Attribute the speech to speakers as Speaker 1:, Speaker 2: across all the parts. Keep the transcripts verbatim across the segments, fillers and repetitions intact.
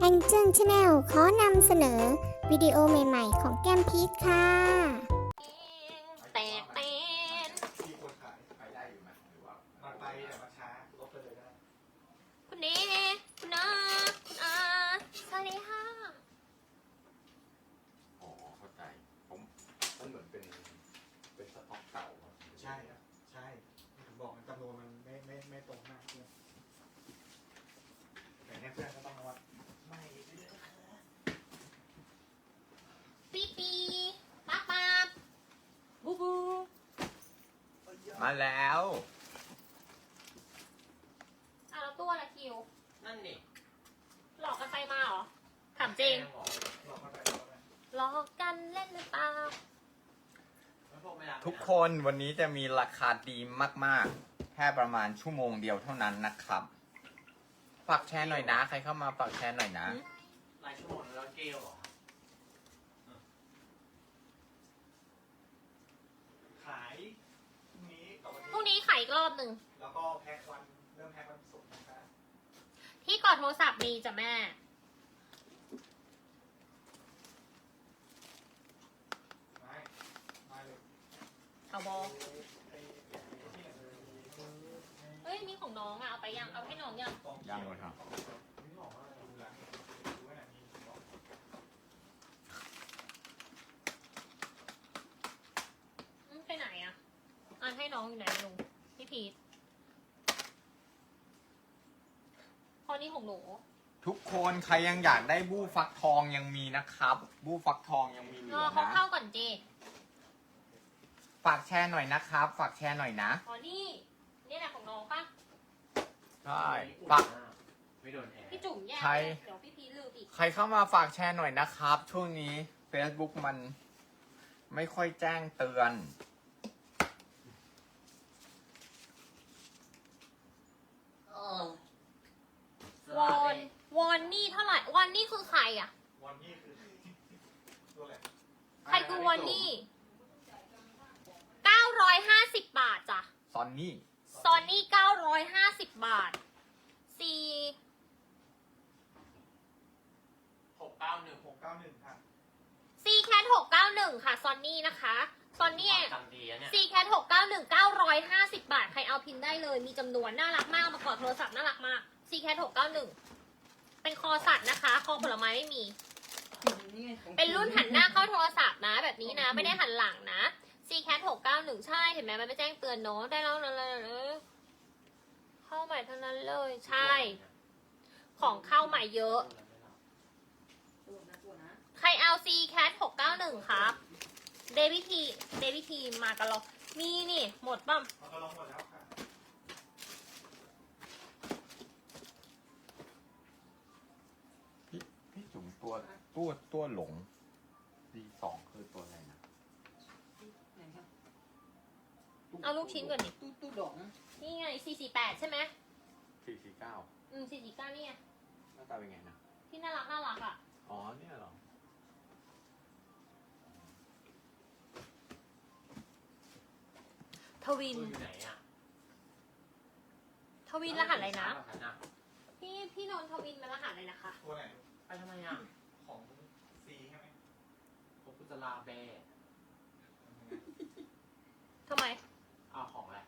Speaker 1: แองเจิลชาแนลขอนำเสนอวิดีโอใหม่ๆของแก้มพีชค่ะ
Speaker 2: แตกเต้น
Speaker 3: ที่คนขายขายได้อยู่ไหมหรือว่ามันไปแต่มันช้าลบไปเลยได้
Speaker 2: คุณเนคุณอาคุณอาสวัสดีค่ะ
Speaker 4: อ๋อเข้าใจผมมันเหมือนเป็นเป็นสต็อกเก่าอะ
Speaker 3: ใช่ครับใช่ผมบอกมันจำนวนมันไม่ไม่ไม่ตรงมากเพื่อนแต่เนี่ยเพื่อนก็ต้องวัดไม่เยอะ
Speaker 2: ปีปีป๊าป๊าบูบู
Speaker 4: มาแล้ว
Speaker 2: อ่ะแล้วตัวละคิว
Speaker 5: นั่นนี่
Speaker 2: หลอกกันไปมาเหรอ ถามจริง
Speaker 3: หลอกเข้าไปหลอกเข้าไป
Speaker 2: หลอกกันเล่นหรือเปล่า
Speaker 5: แล้วพวกไม่รัก
Speaker 4: ทุกคนวันนี้จะมีราคาดีมากๆ แค่ประมาณชั่วโมงเดียวเท่านั้นนะครับฝากแชร์หน่อยนะ ใครเข้ามาฝากแชร์หน่อยนะ
Speaker 5: รายชั่วโมงแล้วเกลเหรอ
Speaker 3: ขายพรุ่งนี้กับวัน
Speaker 2: พรุ่ง
Speaker 3: นี้
Speaker 2: นี้ขายอีกรอบหนึ่ง
Speaker 3: แล้วก็แพ็ควันเริ่มแพ็ควันศุกร์นะครับ
Speaker 2: ที่กอดโทรศัพท์มีจ้ะแม่
Speaker 3: ไม่ไม่เลย
Speaker 2: เอาบอ
Speaker 3: ไอ้ไอ้ที่ไหนเลย
Speaker 2: เฮ้ยมีของน้องอ่ะ เอาไปยัง เอาให้น้องยัง
Speaker 4: ยังเลยครับ
Speaker 3: นี่บอกว่าดูแลดูไว้ไหนมีบอก
Speaker 2: อืมไปไหนอ่ะอ่านให้น้องอยู่ไหนลุงพี่พีทพอนี่ของหนู
Speaker 4: ทุกคนใครยังอยากได้บู้ฟักทองยังมีนะครับ บู้ฟักทองยังมีเหลื
Speaker 2: รอ
Speaker 4: อ
Speaker 2: เขา
Speaker 4: นะ
Speaker 2: เข้าก่อนเจ
Speaker 4: ฝากแชร์หน่อยนะครับ ฝากแชร์หน่อยนะ
Speaker 2: อ๋อนี่ นี่แหละของน้องปะ
Speaker 4: ใช่ฝาก
Speaker 5: ไม่โดนแอร์
Speaker 2: พี่จุ๋มแย่
Speaker 4: ใคร
Speaker 2: เดี๋ยวพี่พีทลืมอีก
Speaker 4: ใครเข้ามาฝากแชร์หน่อยนะครับ ช่วงนี้ Facebook มันไม่ค่อยแจ้งเตือน
Speaker 5: เออ
Speaker 2: วอนวอนนี่เท่าไหร่วอนนี่คือใครอ่ะ
Speaker 3: วันนี้คือตัวอะไร
Speaker 2: ใครคือวอนนี่เก้าร้อยห้าสิบบาทจ้ะ
Speaker 4: ซอนนี่
Speaker 2: ซอนนี่เก้าร้อยห้าสิบบาทซี
Speaker 5: หกเก้าหนึ่ง
Speaker 3: หกเก้าหนึ่งค่ะ
Speaker 2: ซีแคทหกเก้าหนึ่งค่ะซอนนี่นะคะซอนนี่
Speaker 5: ตังดีอะเนี่ย
Speaker 2: ซีแคทหกเก้าหนึ่งเก้าร้อยห้าสิบบาท ใครเอาพินได้เลย มีจำนวนน่ารักมากมากอดโทรศัพท์น่ารักมากซีแคทหกเก้าหนึ่งเป็นคอสัตว์นะคะ คอผลไม้ไม่มี เป็นรุ่นหันหน้าเข้าโทรศัพท์นะ แบบนี้นะ ไม่ได้หันหลังนะ ซีแคทหกเก้าหนึ่งใช่เห็นไหมมันไม่แจ้งเตือนเนาะได้แล้วนั่นเลยเข้าใหม่เท่านั้นเลย ใช่ ของเข้าใหม่เยอะ ใครเอา ซีแคทหกเก้าหนึ่งครับเดวิทีเดวิทีมากันหรอมีนี่ หมดป่ะ
Speaker 3: เราก็ลองหมดแล้วค่ะ
Speaker 4: พี่พี่จุ๋มตัวตัวตัวหลงดีสองคือตัวอะไรนะ
Speaker 2: เอาลูกชิ้นก่อนดิ
Speaker 6: ตู้ตู้ดอง
Speaker 2: นี่ไงสี่สี่แปดใช่ไหม
Speaker 4: สี่สี่เก้า
Speaker 2: อืมสี่สี่เก้านี่ไง
Speaker 4: หน้าตาเป็นไงนะ
Speaker 2: ที่น่ารักน่ารักอ่ะ
Speaker 4: อ๋อเนี่ยเหรอ
Speaker 2: ทวิน
Speaker 5: อยู่ไหนอ่ะ
Speaker 2: ทวินรหัสอะไรนะ
Speaker 5: รหัสนะ
Speaker 2: พี่พี่นนท์ทวินมันรหัสอะไรนะคะ
Speaker 3: ตัวไหน
Speaker 5: ไปทำไมอ่ะ
Speaker 3: ของซีใช่ไหม
Speaker 5: ผมกุจลาเบ้
Speaker 2: ทำไม
Speaker 5: เอาของอะไร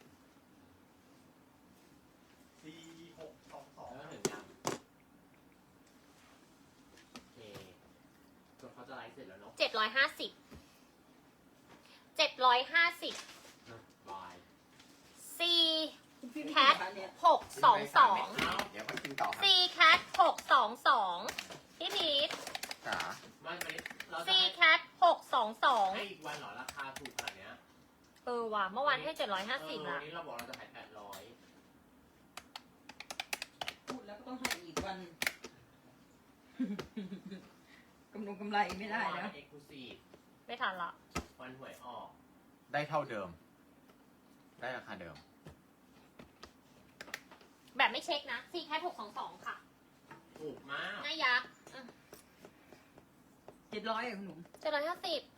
Speaker 3: ซีหกสองสอง
Speaker 5: แล้วถึงยังโอเคจนเขาจะไลฟ์เสร็จแล้วเนาะ
Speaker 2: เจ็ดร้อยห้าสิบ เจ็ดร้อยห้าสิบ
Speaker 5: บาย
Speaker 2: ซี
Speaker 6: แค
Speaker 2: แค
Speaker 6: ท
Speaker 2: ทหกสองสอง
Speaker 4: เดี๋ยวมากินต่อครับ
Speaker 2: ซีแคทหกสองสองพี่พีท
Speaker 4: จ๋า
Speaker 5: ไม่ไม่เราจะ
Speaker 2: ซี
Speaker 5: ให้
Speaker 2: แคทหกสองสอง
Speaker 5: ให้อีกวันเหรอราคาถูกขนาดเนี้ย
Speaker 2: เออว่ะเมื่อวานให้เจ็ดร้อยห้าสิบ
Speaker 5: เออวั
Speaker 2: ละ
Speaker 5: นนี้เราบอกเราจะขายแปดร้อย
Speaker 6: พูดแล้วก็ต้องให้อีกวัน กำลงกำไรไม่ได้แล้ว
Speaker 5: เอ็กซ์คลูซีฟ
Speaker 2: ไม่ทันละ
Speaker 5: วันหวยออก
Speaker 4: ได้เท่าเดิม ได้ราคาเดิม
Speaker 2: แบบไม่เช็คนะซีแคทหกสองสองค่ะ
Speaker 5: ถูกมาก
Speaker 2: หน้ายักษ์
Speaker 6: เจ็ดร้อยอะคุณหนุ่ม
Speaker 2: เจ็ดร้อยห้าสิบ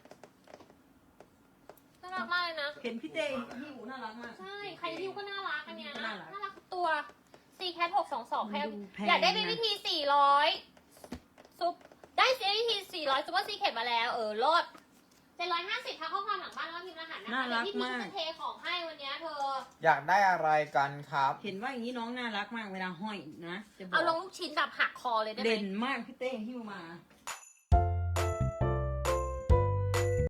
Speaker 2: น่ารักมากเลยนะ
Speaker 6: เห็นพี่เจพี่หูน่ารักมาก
Speaker 2: ใช่ ใครฮิวก็น่ารักอันเนี้ย
Speaker 6: น่ารัก
Speaker 2: น่ารักทุกตัวซีแคทหกสองสองใคร
Speaker 6: มันดูแพง
Speaker 2: อยากได้เป็น
Speaker 6: นะ
Speaker 2: วิธีสี่ร้อยร้อยซูเปอร์ซีเคทมาแล้วเออลดเจ็ดร้อยห้าสิบทักข้อความหลังบ้านแล้วก็พิมพ์รหัสนะคะ
Speaker 6: น่ารัก
Speaker 2: เดี๋ยวพี่พี
Speaker 6: มาก
Speaker 2: จะเทของให้วันเนี้ยเธอ
Speaker 4: อยากได้อะไรกันครับ
Speaker 6: เห็นว่าอย่างนี้น้องน่ารักมากเวลาห้อยนะจะบอ
Speaker 2: เอาลง
Speaker 6: ก
Speaker 2: ลูกชิ้นแบบหักคอเลยได้ไหม
Speaker 6: เด่นมากพี่เต้หิ้วมา